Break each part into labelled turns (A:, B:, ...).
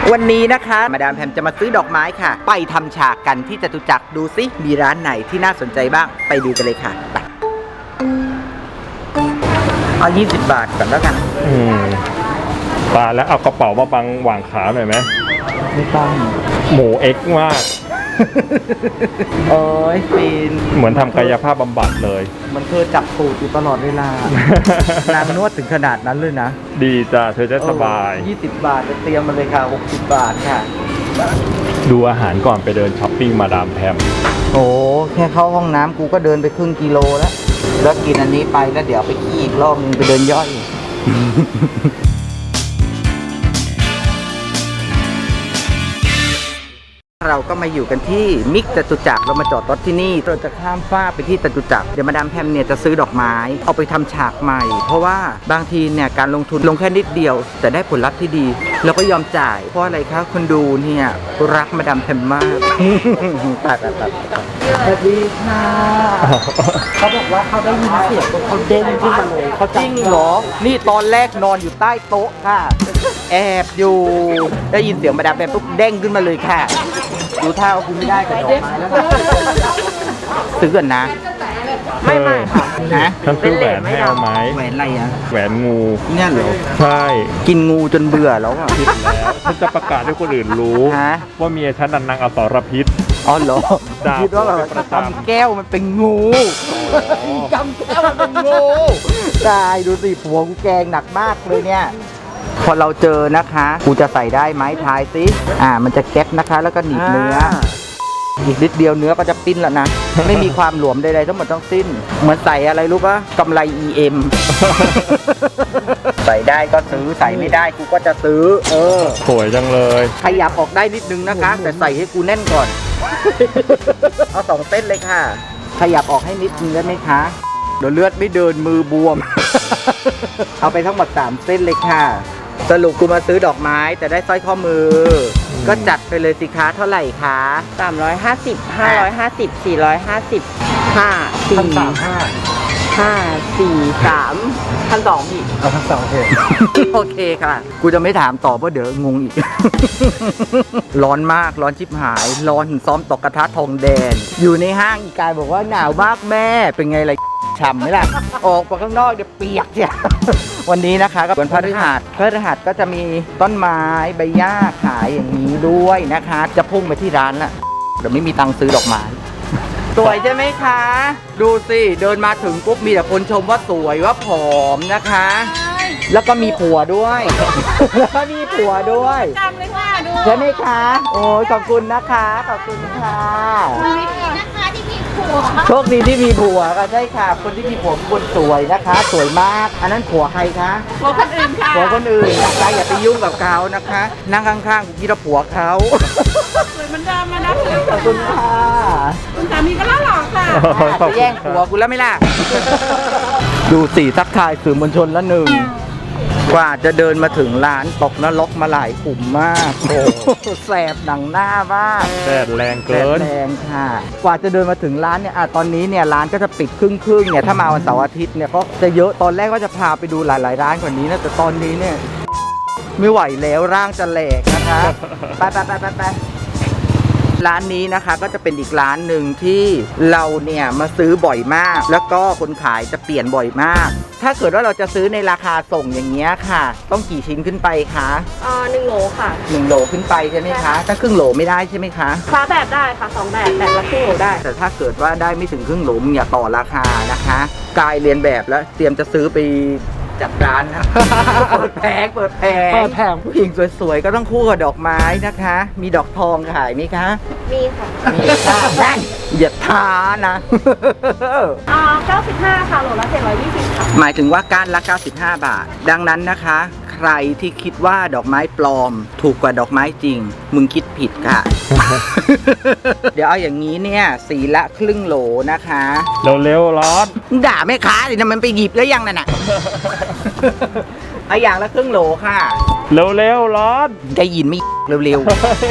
A: วันนี้นะคะมาดามแพมจะมาซื้อดอกไม้ค่ะไปทำฉากกันที่จตุจักรดูซิมีร้านไหนที่น่าสนใจบ้างไปดูกันเลยค่ะไปเอา20 บาทก่อนแล้วกัน
B: ตาแล้วเอากระเป๋ามาบังหว่างขาหน่อยไหม
A: ไม่ต้อง
B: หมูเอ็กซ์มาก
A: โอ้ยฟิน
B: เหมือนทำกายภาพบำบัดเลย
A: มันเธอจับตูดอยู่ตลอดเวลานางนวดถึงขนาดนั้นเลยนะ
B: ดีจ้ะเธอจะสบาย
A: 20 บาทจะเตรียมมาเลยค่ะ60 บาทค่ะ
B: ดูอาหารก่อนไปเดินช้อปปิ้งมาดามแพม
A: โอ้แค่เข้าห้องน้ำกูก็เดินไปครึ่งกิโลแล้วกินอันนี้ไปแล้วเดี๋ยวไปขี้อีกรอบนึงไปเดินย่อยเราก็มาอยู่กันที่มิกจตุจักรเรามาจอดรถที่นี่เราจะข้ามฟ้าไปที่จตุจักรเดี๋ยวมาดามแพมเนี่ยจะซื้อดอกไม้เอาไปทำฉากใหม่เพราะว่าบางทีเนี่ยการลงทุนลงแค่นิดเดียวแต่ได้ผลลัพธ์ที่ดีเราก็ยอมจ่ายเพราะอะไรครับคนดูเนี่ยรักมาดามแพมมากตัดสวัสดีค่ะเขาบอกว่าเขาได้ยินเสียงเขาเด้งขึ้นมาเลยเขาจริงเหรอนี่ตอนแรกนอนอยู่ใต้โต๊ะค่ะแอบอยู่ได้ยินเสียงมาดามแพมปุ๊บเด้งขึ้นมาเลยค่ะดูท่าว่าคุณไม่ได้กับดอกไม้แล้วซื้อกันนะ
B: ไม่
A: ค่ะนะ
B: ฉันซื้อแหวนให้เอาไหม
A: แหวนอะไรอ่ะ
B: แหวนงู
A: เนี่ยเหรอ
B: ใช่
A: กินงูจนเบื่อแล้วอ่ะ
B: คิดแล้วฉันจะประกาศให้คนอื่นรู้ว่าเมียฉันนางอสรพิษ
A: อ๋อเหรอคิดว่าแบบจำแก้วมันเป็นงูจำแก้วมันเป็นงูตายดูสิผัวกูแกงหนักมากเลยเนี่ยพอเราเจอนะคะกูจะใส่ได้ไหมทายสิมันจะแก๊ปนะคะแล้วก็หนีบเนื้ออีกนิดเดียวเนื้อก็จะปิ้นแล้วนะไม่มีความหลวมใดๆทั้งหมดทั้งสิ้นเหมือนใส่อะไรรู้ปะกำไร EM ใส่ได้ก็ซื้อใส่ไม่ได้กูก็จะซื้อ
B: สวยจังเลย
A: ขยับออกได้นิดนึงนะคะแต่ใส่ให้กูแน่นก่อนเอา2 เส้นเลยค่ะขยับออกให้นิดนึงได้ไหมคะเดี๋ยวเลือดไม่เดินมือบวมเอาไปทั้งหมด3 เส้นเลยค่ะสรุปกูมาซื้อดอกไม้แต่ได้สร้อยข้อมือก็จัดไปเลยสิคะเท่าไหร่คะ
C: 350 550 450 5 4 3 1,200พี่
A: โอเคค่ะกูจะไม่ถามต่อเพราะเดี๋ยวงงอีกร้อนมากร้อนชิบหายร้อนถึงซ้อมตกกระทะทองแดงอยู่ในห้างอีกายบอกว่าหนาวมากแม่เป็นไงล่ะฉ่ำไหมล่ะออกไปข้างนอกเดี๋ยวเปียกเนี่ยวันนี้นะคะก็วันพฤหัสก็จะมีต้นไม้ใบหญ้าขายอย่างนี้ด้วยนะคะจะพุ่งไปที่ร้านละเดี๋ยวไม่มีตังค์ซื้อดอกไม้สวยใช่ไหมคะดูสิเดินมาถึงปุ๊บมีแต่คนชมว่าสวยว่าผอมนะคะแล้วก็มีผัวด้วยแล้วก็มีผัวด้วย
C: จำเลยค่ะดู
A: ใช่ไหมคะโอ้ยขอบคุณนะคะขอบคุณค่ะ
C: นะคะที่มีผัว
A: โชคดีที่มีผัวก็ใช่ค่ะคนที่มีผัวคนสวยนะคะสวยมากอันนั้นผัวใครคะ
C: ผัวคนอื่นค่ะ
A: ผัวคนอื่นนะคะอย่าไปยุ่งกับเขานะคะนั่งข้างๆคิดว่าผัวเขา
C: สวยเหมือนเดิมนะ
A: ขอบคุณค่ะ
C: คุณสามีก็น่าหล่อค่ะ
A: จะแย่งผัวกูแล้วไม่ล่ะดูสิทักทายสื่อมวลชนละหนึ่งกว่าจะเดินมาถึงร้านตกนรกมาหลายขุมมากโอ้แสบหนังหน้ามาก
B: แดดแรงเกิน
A: แรงค่ะกว่าจะเดินมาถึงร้านเนี่ยตอนนี้เนี่ยร้านก็จะปิดครึ่งเนี่ยถ้ามาวันเสาร์อาทิตย์เนี่ยก็จะเยอะตอนแรกก็จะพาไปดูหลายๆร้านกว่านี้นะแต่ตอนนี้เนี่ยไม่ไหวแล้วร่างจะแหลกนะคะไปร้านนี้นะคะก็จะเป็นอีกร้านหนึ่งที่เราเนี่ยมาซื้อบ่อยมากแล้วก็คนขายจะเปลี่ยนบ่อยมากถ้าเกิดว่าเราจะซื้อในราคาส่งอย่างเงี้ยค่ะต้องกี่ชิ้นขึ้นไปคะ
C: 1 โหลค่ะ
A: 1 โหลขึ้นไปใช่ไหมคะถ้าครึ่งโหลไม่ได้ใช่ไหมคะ
C: แบบได้ค่ะ2 แบบละครึ่งโหลได้
A: แต่ถ้าเกิดว่าได้ไม่ถึงครึ่งโหลอย่าต่อราคานะคะกายเรียนแบบแล้วเตรียมจะซื้อไปจัดร้านนะเปิดแผงผู้หญิงสวยๆก็ต้องคู่กับดอกไม้นะคะมีดอกทองขายไหมคะ
C: มีค่ะ
A: มีค่ะอย่าท้านะ
C: 95ค่ะโหลละ720ค่ะ
A: หมายถึงว่าก้านละ95 บาทดังนั้นนะคะใครที่คิดว่าดอกไม้ปลอมถูกกว่าดอกไม้จริงมึงคิดผิดค่ะ เดี๋ยวเอาอย่างนี้เนี่ยสีละครึ่งโหลนะคะ
B: เร็วๆร้อน
A: ด่าแม่ค้าดินะมันไปหยิบแล้วยังนั่นน่ะเอาอย่างละครึ่งโหลค่ะ
B: เร็วๆร้อน
A: ได้ยินไม่เร็ว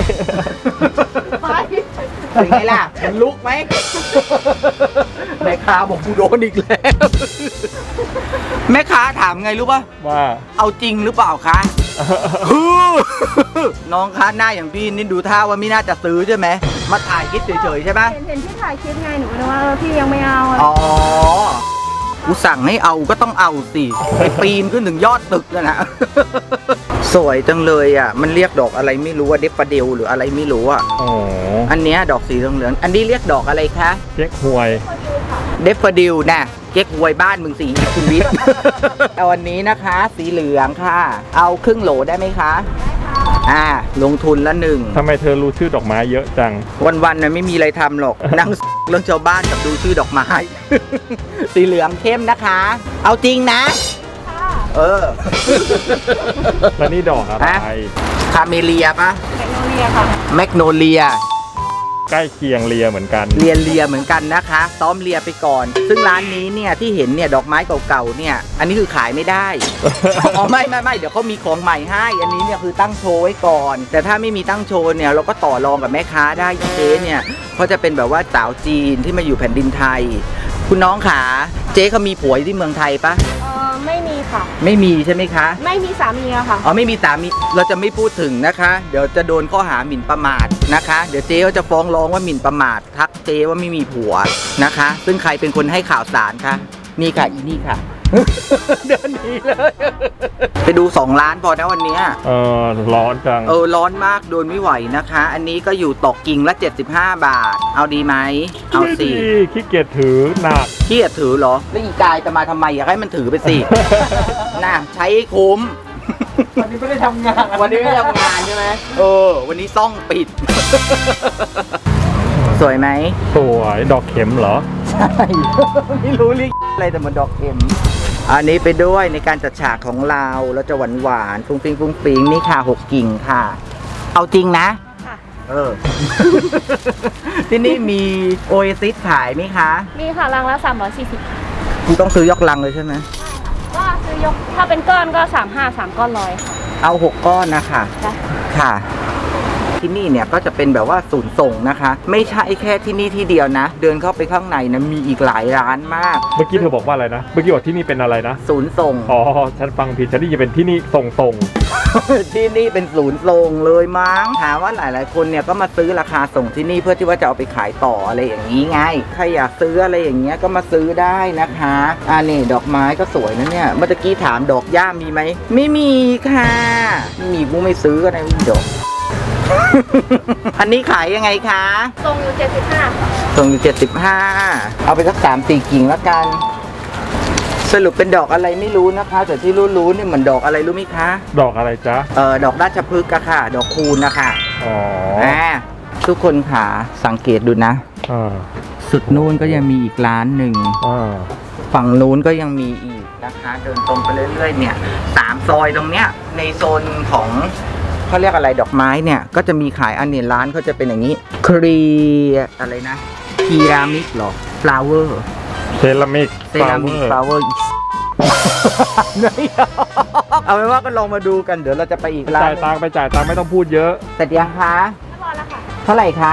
A: ๆเป็นไงล่ะมันลุกไหมแม่ค้าบอกกูโดนอีกแล้วแม่ค้าถามไงรู้ป่ะ
B: ว่า
A: เอาจริงหรือเปล่าคะน้องคะหน้าอย่างพี่นี่ดูท่าว่าไม่น่าจะซื้อใช่ไหมมาถ่ายคลิปเฉยๆใช่ไหม
C: เห็นที่ถ่ายคลิปไงหนูก็เลยว่าพี่ยังไม่เอาอะไร
A: อ๋อกูสั่งให้เอาก็ต้องเอาสิไปปีนขึ้นถึงยอดตึกนะ สวยจังเลยอ่ะมันเรียกดอกอะไรไม่รู้ว่าเดฟฟาเดลหรืออะไรไม่รู้อ่ะ
B: อ๋อ
A: อันเนี้ยดอกสีเหลืองๆอันนี้เรียกดอกอะไรคะ
B: เจ๊กหวย
A: เดฟฟาดิลนะเก๊กฮวยบ้านมึงสีคุณวิทย์ เอาอันนี้นะคะ สีเหลืองค่ะ เอาครึ่งโหลได้ไหมคะลงทุนละหนึ่ง
B: ทำไมเธอรู้ชื่อดอกไม้เยอะจัง
A: วันๆน่ะไม่มีอะไรทำหรอก นั่ง เรื่องชาวบ้านกับดูชื่อดอกไม้ สีเหลืองเข้มนะคะ เอาจริงนะ เออ
B: แล้วนี่ดอกอะไร
A: คาเมเลียปะ
C: แมกโนเลียค่ะ
A: แมกโนเลีย
B: ใกล้เคียงเลียเหมือนกัน
A: เลียเหมือนกันนะคะซ้อมเลียไปก่อน ซึ่งร้านนี้เนี่ยที่เห็นเนี่ยดอกไม้เก่าๆเนี่ยอันนี้คือขายไม่ได้ อ๋อไม่เดี๋ยวเขามีของใหม่ให้อันนี้เนี่ยคือตั้งโชว์ไว้ก่อน แต่ถ้าไม่มีตั้งโชว์เนี่ยเราก็ต่อรองกับแม่ค้าได้เจ๊เนี่ยเขาจะเป็นแบบว่าสาวจีนที่มาอยู่แผ่นดินไทย คุณน้องขาเจ๊เขามีผัวอยู่ที่เมืองไทยปะ
C: ไม่มีค่ะ
A: ไม่มีใช่ไหมคะ
C: ไม่มีสามีอะค่ะ
A: อ๋อไม่มีสามีเราจะไม่พูดถึงนะคะ เดี๋ยวจะโดนข้อหาหมิ่นประมาทนะคะ เดี๋ยวเจ๊เขาจะฟ้องร้องว่าหมิ่นประมาททักเจ๊ว่าไม่มีผัวนะคะ ซึ่งใครเป็นคนให้ข่าวสารคะนี่ค่ะอีนี่ค่ะ เดินหนีเลย ไปดู2 ล้านพอนะวันเนี้ย
B: ร้อนจัง
A: ร้อนมากโดนไม่ไหวนะคะ อันนี้ก็อยู่ตกกิ่งละ75 บาท เอาดีไหมเอาสิ
B: ขี้เกียจถือหนัก
A: เกียดถือเหรอแล้วอีกายจะมาทำไมอยากให้มันถือไปสิ น่ะใช้ให้คุ้ม
D: วันนี้ไม่ได้ทำงาน
A: วันนี้ไม่ทำงานใช่ไหมวันนี้ซ่องปิด สวยไหม
B: สวยดอกเข็มเหรอ
A: ใช่ ไม่รู้เรียกอะไรแต่มันดอกเข็ม อันนี้ไปด้วยในการจัดฉากของเราเราจะหวานๆฟุ้งฟิ้งฟุ้งฟิ้งนี่ค่ะ6 กิ่งค่ะ เอาจริงนะ
C: ค่ะ
A: ที่นี่มีโอเอซิสขายไหมคะ
C: มีค่ะรังละ340
A: คุณต้องซื้อยกลังเลยใช่ไหม
C: ก็ซื้อยกถ้าเป็นก้อนก็35 3 ก้อน100ค่ะ
A: เอา6 ก้อนนะคะ
C: ได้
A: ค่ะ ที่นี่เนี่ยก็จะเป็นแบบว่าศูนย์ส่งนะคะ ไม่ใช่แค่ที่นี่ที่เดียวนะ เดินเข้าไปข้างในนะมีอีกหลายร้านมาก
B: เมื่อกี้เธอบอกว่าอะไรนะ เมื่อกี้บอกที่นี่เป็นอะไรนะ
A: ศูนย์ส่ง
B: อ๋อ ฉันฟังผิด ฉันได้ยินเป็นที่นี่ส่ง
A: ที่นี่เป็นศูนย์ส่งเลยมั้งถามว่าหลายๆคนเนี่ยก็มาซื้อราคาส่งที่นี่เพื่อที่ว่าจะเอาไปขายต่ออะไรอย่างนี้ไงใครอยากซื้ออะไรอย่างเงี้ยก็มาซื้อได้นะคะนี่ดอกไม้ก็สวยนะเนี่ยเมื่อกี้ถามดอกหญ้ามีไหมไม่มีค่ะไม่มีกูไม่ซื้อก็ได้ไม่มีดอก อันนี้ขายยังไงคะ
C: ทรงอยู่75ค่ะ
A: ส่งอยู่75เอาไปสัก3-4 กิ่งแล้วกัน สรุปเป็นดอกอะไรไม่รู้นะคะ แต่ที่รู้ๆนี่เหมือนดอกอะไรรู้ไหมคะ
B: ดอกอะไรจ๊ะ
A: ดอกราชพฤกษ์อะค่ะ ดอกคูณนะคะ
B: อ๋อ
A: ทุกคนค่ะสังเกตดูนะ
B: อ่า
A: สุดนู้นก็ยังมีอีกร้านหนึ่ง
B: อ่า
A: ฝั่งนู้นก็ยังมีอีกนะคะ เดินตรงไปเรื่อยๆเนี่ย3 ซอยตรงเนี้ยในโซนของเขาเรียกอะไรดอกไม้เนี่ยก็จะมีขายอันนี้ร้านเขาจะเป็นอย่างนี้ครีอะไรนะคีรามิกหรอ flower
B: เซรามิก
A: เซรามิก flower เอาเป็นว่าก็ลองมาดูกันเดี๋ยวเราจะไปอีกร้าน
B: จ่ายตังค์ไปจ่ายตังค์ไม่ต้องพูดเยอะ
A: เสร็จยังคะ
C: เรียบร้อยแล้วค่ะ
A: เท่าไหร่คะ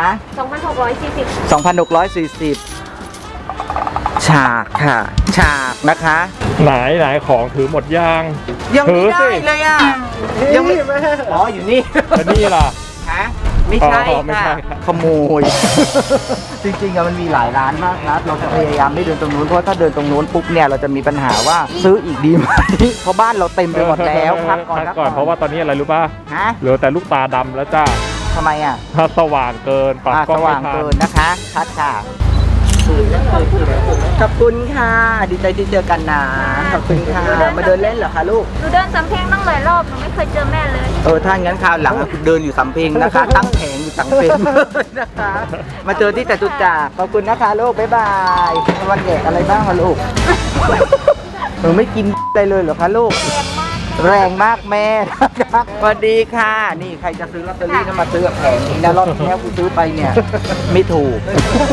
C: 2,640
A: 2,640 ฉากค่ะ ฉากนะคะ
B: ไหนของถือหมดย่าง
A: ยังไม่ได้
B: ถือสิ
A: เลยอ่ะ ยังไม่อ๋ออยู่นี่
B: แล้วนี่ล่ะ
A: ฮะไม่ใช่
B: อ๋อไม่ใช่
A: ค่ะ
B: ครับ
A: ขโมย จริงๆอะมันมีหลายร้านมากนะเราจะพยายามไม่เดินตรงนู้นเพราะถ้าเดินตรงนู้นปุ๊บเนี่ยเราจะมีปัญหาว่าซื้ออีกดีไหม เพราะบ้านเราเต็มไปหมดแล้วพักก่อน
B: พักก่อนเพราะว่าตอนนี้อะไรรู้ป่ะ
A: ฮะ
B: เหลือแต่ลูกตาดำแล้วจ้า
A: ทำไมอ่ะ
B: ถ้าสว่างเกินปักกล้
A: ส
B: องไม่
A: ว่าง
B: ทัน
A: เกินนะคะคัดค่ะขอบคุณค่ะ ดีใจที่เจอกันนะขอบคุณค่ะมาเดินเล่นเหรอคะลูก
C: หนูเดินสำเพ็งตั้งหลายรอบหนูไม่เคยเจอแม่เลย
A: ถ้างั้นคราวหลังอะคุณเดินอยู่สำเพ็งนะคะ ตั้งแผงอยู่สำเพ็งนะคะ มาเจอที่จตุจักรขอบคุณนะคะลูก บ๊ายบาย วันเด็กอะไรบ้างคะลูก หนูไม่กินอะไรเลยเหรอคะลูก แรงมากแม่นะคะสวัสดีค่ะ นี่ใครจะซื้อลอตเตอรี่ก็มาซื้อกับแผงนี้นะรอบที่แล้วกูซื้อไปเนี่ย ไม่ถูก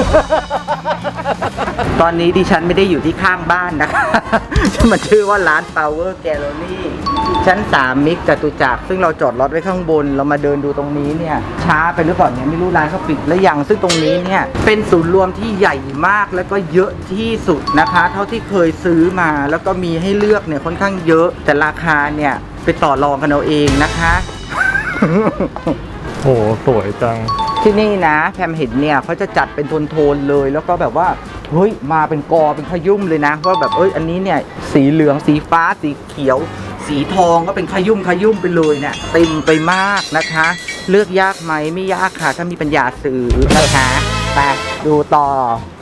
A: ตอนนี้ดิฉันไม่ได้อยู่ที่ข้างบ้านนะคะ มันชื่อว่าร้าน Power Gallery ชั้น3มิกจตุจักรซึ่งเราจอดรถไว้ข้างบน เรามาเดินดูตรงนี้เนี่ย ช้าไปหรือเปล่าเนี่ยไม่รู้ร้านเขาปิดแล้วยังซึ่งตรงนี้เนี่ยเป็นศูนย์รวมที่ใหญ่มากแล้วก็เยอะที่สุดนะคะ เท่าที่เคยซื้อมาแล้วก็มีให้เลือกเนี่ยค่อนข้างเยอะแต่ราคาเนี่ยไปต่อรองกันเอาเองนะคะ
B: โอ้สวยจัง
A: ที่นี่นะแพมเห็นเนี่ยเขาจะจัดเป็นโทนๆเลยแล้วก็แบบว่าเฮ้ยมาเป็นกอเป็นขยุ่มเลยนะว่าแบบอันนี้เนี่ยสีเหลืองสีฟ้าสีเขียว สีทองก็เป็นขยุ่มไปเลยเนี่ยเต็มไปมากนะคะ เลือกยากไหมไม่ยากค่ะถ้ามีปัญญาซื้อนะคะไปดูต่อ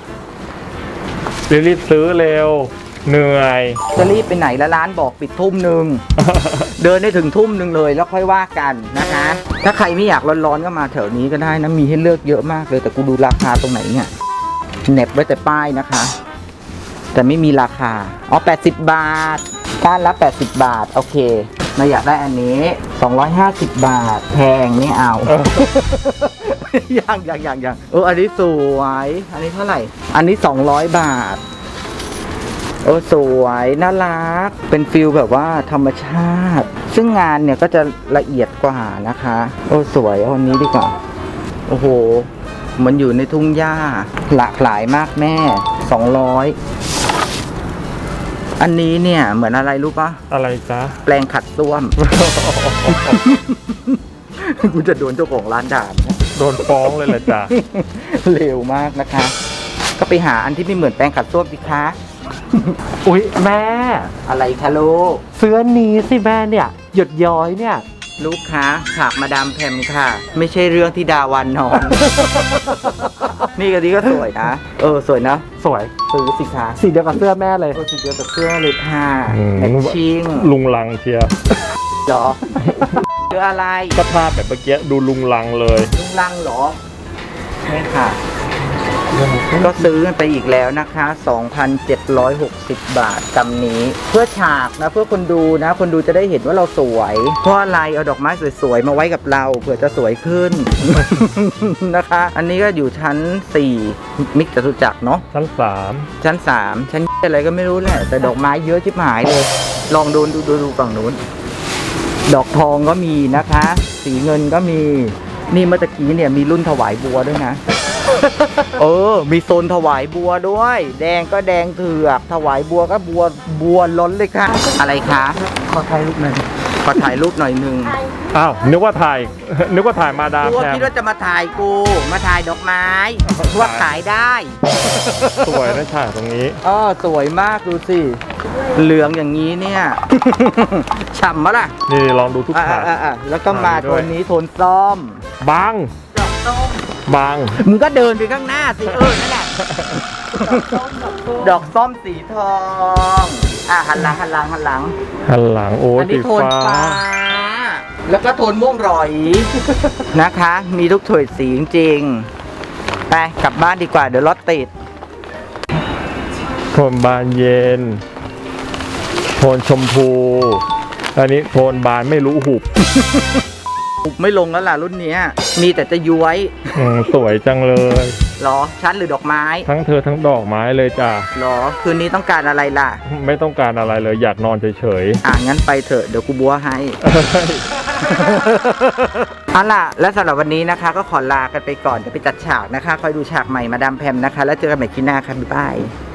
B: รีบซื้อเร็ว เหนื่อย
A: จะรีบไปไหนละร้านบอกปิดทุ่มหนึ่ง เดินได้ถึงทุ่มหนึ่งเลยแล้วค่อยว่ากันนะคะ ถ้าใครไม่อยากร้อนๆก็มาแถวนี้ก็ได้นะมีให้เลือกเยอะมากเลยแต่กูดูราคาตรงไหนเนี่ยเหน็บไว้แต่ป้ายนะคะ แต่ไม่มีราคาอ๋อ80 บาทก้านละ80 บาทโอเคเราอยากได้อันนี้250 บาทแพงไม่เอา ยังอันนี้สวยอันนี้เท่าไหร่อันนี้200 บาทสวยน่ารักเป็นฟิลแบบว่าธรรมชาติซึ่งงานเนี่ยก็จะละเอียดกว่านะคะสวยเอาอันนี้ดีกว่าโอ้โหมันอยู่ในทุ่งหญ้าหลากหลายมากแม่200อันนี้เนี่ยเหมือนอะไรรู้ปะ
B: อะไรจ๊ะ
A: แปลงขัดส้วม กูจะโดนเจ้าของร้านด่าเนี่ย
B: โดนฟ้องเลยแหละจ้ะ
A: เร็วมากนะคะ ก็ไปหาอันที่ไม่เหมือนแปรงขัดส้วมสิคะ
D: อุ๊ยแม่
A: อะไรคะลูก
D: เสื้อนี้สิแม่เนี่ยหยดย้อยเนี่ย
A: ลูกค้าฉากมาดามแพมค่ะ ไม่ใช่เรื่องที่ดาวันนอน นี่ก็ดีก็สวยนะ สวยนะ
D: สวย
A: ซื้อสิคะ
D: สีเดียวกับเสื้อแม่เลย
A: สีเดียวกับเสื้อเลยค่ะ
B: อืม
A: แมทชิ่ง
B: ลุงลังเชียร์
A: เหรอ เสื้ออะไร
B: ก็ภาพแบบเมื่อกี้ดูลุงลังเลย
A: ลุงลังเหรอใช่ค่ะ ก็ซื้อกันไปอีกแล้วนะคะ 2,760 บาทกำนี้ เพื่อฉากนะ เพื่อคนดูนะ คนดูจะได้เห็นว่าเราสวย เพราะอะไรเอาดอกไม้สวยๆมาไว้กับเราเผื่อจะสวยขึ้น นะคะ อันนี้ก็อยู่ชั้น 4 มิกจตุจักรเนาะ
B: ชั้น
A: ชั้น 3 ชั้นอะไรก็ไม่รู้แหละ แต่ดอกไม้เยอะชิบหายเลย ลองดูฝั่งนู้น ดอกทองก็มีนะคะ สีเงินก็มี นี่เมื่อตะกี้เนี่ยมีรุ่นถวายบัวด้วยนะ มีโซนถวายบัวด้วย แดงก็แดงเถือกถวายบัวก็บัวล้นเลยค่ะ อะไรคะ
D: ขอถ่ายรูปหน่อย
A: ขอถ่ายรูปหน่อยนึง
B: 3อ้าวนึกว่าถ่ายมาดาม
A: กู
B: แพม
A: คิดว่าจะมาถ่ายกู มาถ่ายดอกไม้ว่าขายได้
B: สวยนะฉากตรงนี้
A: สวยมากดูสิ เหลืองอย่างนี้เนี่ย ฉ่ำมะล่ะ
B: นี่ลองดูทุกฉาก
A: แล้วก็มา
B: ด้
A: โท
B: วย
A: นนี้โทนส้ม
B: บัง
A: ดอกส้ม
B: บัง
A: มึงก็เดินไปข้างหน้าสินั่นแหละ ดอกส้มสีทอง หันหลัง
B: หันหลังโอ้
A: อันนี้
B: สี
A: โทน
B: ฟ้า
A: ฟ้า แล้วก็โทนม่วงรอย นะคะ มีทุกโทนสีจริงๆ ไปกลับบ้านดีกว่าเดี๋ยวรถติด
B: โทนบานเย็น โทนชมพู อันนี้โทนบานไม่รู้หุบ
A: ไม่ลงแล้วล่ะรุ่นเนี้ย มีแต่จะย้วย
B: สวยจังเลย
A: หรอ ชั้นหรือดอกไม้
B: ทั้งเธอทั้งดอกไม้เลยจ้ะ
A: หรอ คืนนี้ต้องการอะไรล่ะ
B: ไม่ต้องการอะไรเลยอยากนอนเฉย
A: งั้นไปเถอะเดี๋ยวกูบัวให้
B: ๆ
A: เอาล่ะ และสำหรับวันนี้นะคะ ก็ขอลากันไปก่อนเดี๋ยวไปจัดฉากนะคะ คอยดูฉากใหม่มาดามแพมนะคะ แล้วเจอกันใหม่คลิปหน้าค่ะบ๊ายบาย